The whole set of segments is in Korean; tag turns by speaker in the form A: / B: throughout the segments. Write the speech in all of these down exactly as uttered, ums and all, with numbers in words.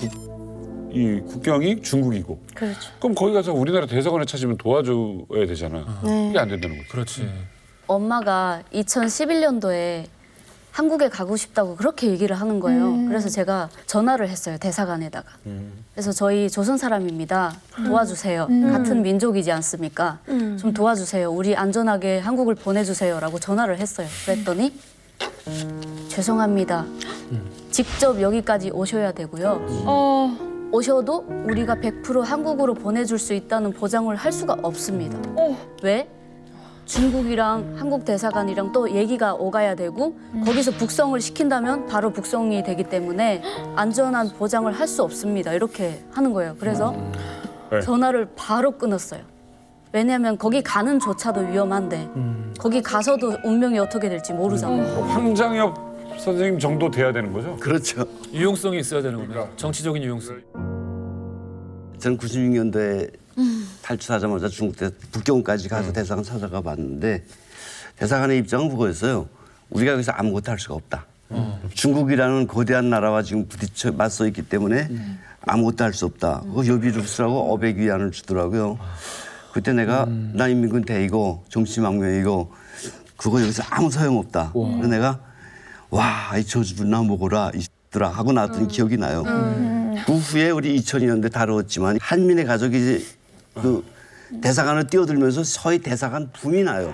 A: 국, 이 국경이 중국이고.
B: 그렇죠.
A: 그럼 거기 가서 우리나라 대사관에 찾으면 도와줘야 되잖아.
B: 네.
A: 그게 안 된다는 거지.
C: 그렇지.
B: 엄마가 이천십일 년도에 한국에 가고 싶다고 그렇게 얘기를 하는 거예요.
D: 음.
B: 그래서 제가 전화를 했어요, 대사관에다가.
A: 음.
B: 그래서 저희 조선 사람입니다. 도와주세요.
D: 음.
B: 같은 민족이지 않습니까? 좀 도와주세요. 우리 안전하게 한국을 보내주세요라고 전화를 했어요. 그랬더니 죄송합니다. 직접 여기까지 오셔야 되고요.
D: 어,
B: 오셔도 우리가 백 퍼센트 한국으로 보내줄 수 있다는 보장을 할 수가 없습니다.
D: 어.
B: 왜? 중국이랑 한국 대사관이랑 또 얘기가 오가야 되고 거기서 북송을 시킨다면 바로 북송이 되기 때문에 안전한 보장을 할 수 없습니다. 이렇게 하는 거예요. 그래서
A: 네.
B: 전화를 바로 끊었어요. 왜냐하면 거기 가는 조차도 위험한데 거기 가서도 운명이 어떻게 될지 모르잖아요.
A: 황장엽 선생님 정도 돼야 되는 거죠?
E: 그렇죠.
C: 유용성이 있어야 되는 겁니다. 정치적인 유용성.
E: 저는 구십육 년도에 탈출하자마자 중국 대 북경까지 가서 대사관 찾아가 봤는데 대사관의 입장은 그거였어요. 우리가 여기서 아무것도 할 수가 없다. 중국이라는 거대한 나라와 지금 부딪혀 맞서 있기 때문에 아무것도 할 수 없다. 그 여비를 쓰라고 어백 위안을 주더라고요. 그때 내가 나 인민군 대이고 정치망명이고 그거 여기서 아무 소용없다. 그래서 내가 와, 이 저주나 먹어라 이들아 하고 나왔던 기억이 나요. 그 후에 우리 이천이 년도에 다루었지만 한민의 가족이 이제 그 대사관을 뛰어들면서 서해 대사관 붐이 나요.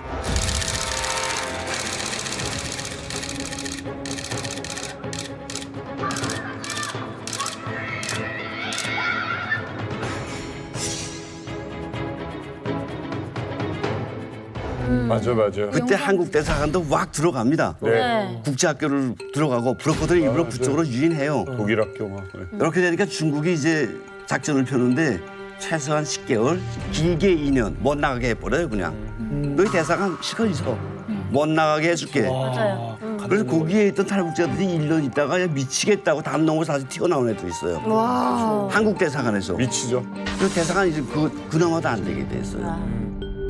A: 맞아, 맞아.
E: 그때 한국 대사관도 왁 들어갑니다.
A: 네.
E: 국제학교를 들어가고 브로커들이 일부러 그쪽으로 유인해요.
A: 독일 학교 막. 네.
E: 이렇게 되니까 중국이 이제 작전을 펴는데 최소한 십 개월, 길게 이 년 못 나가게 해버려요 그냥. 너희 대사관 실컷 있어. 못 나가게 해줄게.
B: 맞아요.
E: 그래서 거기에 있던 탈북자들이 일 년 있다가 야, 미치겠다고 담 넘어 다시 튀어나온 애도 있어요.
D: 와.
E: 한국 대사관에서.
A: 미치죠.
E: 그래서 대사관이 이제 그, 그나마도 안 되게 됐어요.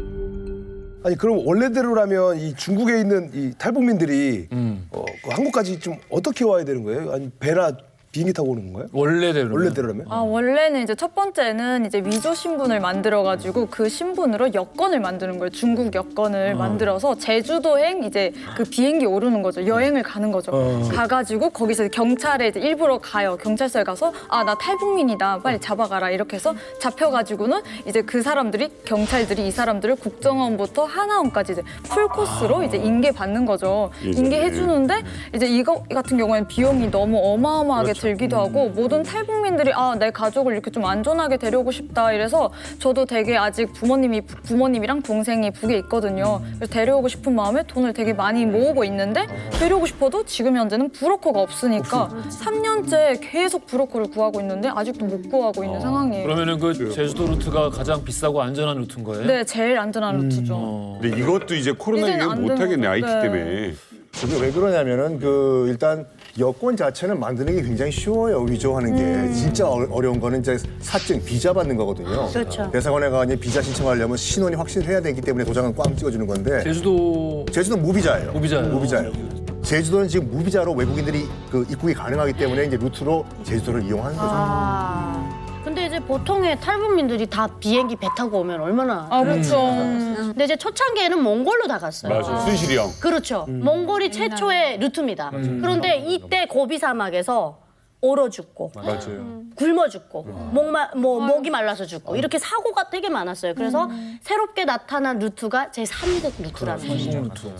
F: 아니 그럼 원래대로라면 이 중국에 있는 이 탈북민들이
C: 음.
F: 어, 그 한국까지 좀 어떻게 와야 되는 거예요? 아니 배나 비행기 타고 오는 건가요?
C: 원래대로.
F: 원래대로라면?
D: 아, 원래는 이제 첫 번째는 이제 위조 신분을 만들어가지고 그 신분으로 여권을 만드는 거예요. 중국 여권을 만들어서 제주도행 이제 그 비행기 오르는 거죠. 여행을 가는 거죠. 가가지고 거기서 경찰에 이제 일부러 가요. 경찰서에 가서 아, 나 탈북민이다. 빨리 잡아가라. 이렇게 해서 잡혀가지고는 이제 그 사람들이 경찰들이 이 사람들을 국정원부터 하나원까지 이제 풀 코스로 이제 인계 받는 거죠. 인계해 주는데 이제 이거 같은 경우에는 비용이 너무 어마어마하게 들기도 하고 모든 탈북민들이 아, 내 가족을 이렇게 좀 안전하게 데려오고 싶다 이래서 저도 되게 아직 부모님이 부모님이랑 동생이 북에 있거든요. 그래서 데려오고 싶은 마음에 돈을 되게 많이 모으고 있는데 데려오고 싶어도 지금 현재는 브로커가 없으니까 삼 년째 계속 브로커를 구하고 있는데 아직도 못 구하고 있는 상황이에요.
C: 그러면은 그 제주도 루트가 가장 비싸고 안전한 루트인 거예요?
D: 네, 제일 안전한 루트죠.
C: 어.
A: 근데 이것도 이제 코로나
D: 이제는
A: 이후
D: 안
A: 못 하겠네,
D: 되는
A: 아이티
D: 네.
A: 때문에.
G: 그게 왜 그러냐면은 그 일단 여권 자체는 만드는 게 굉장히 쉬워요. 위조하는 게 진짜 어- 어려운 거는 이제 사증 비자 받는 거거든요.
B: 그렇죠.
G: 대사관에 가 이제 비자 신청하려면 신원이 확실해야 되기 때문에 도장은 꽝 찍어주는 건데
C: 제주도
G: 제주도는 무비자예요.
C: 무비자예요.
G: 무비자예요. 제주도는 지금 무비자로 외국인들이 그 입국이 가능하기 때문에 이제 루트로 제주도를 이용하는 거죠.
H: 아. 근데 이제 보통의 탈북민들이 다 비행기 배 타고 오면 얼마나.
D: 아, 그렇죠.
H: 근데 이제 초창기에는 몽골로 다 갔어요.
A: 맞아, 순실이 형.
H: 그렇죠. 몽골이 최초의 루트입니다. 그런데 이때 고비 사막에서 얼어 죽고
A: 맞아요.
H: 굶어 죽고 목마 뭐 목이 말라서 죽고 이렇게 사고가 되게 많았어요. 그래서 새롭게 나타난 루트가 제삼국 루트라는 것이죠.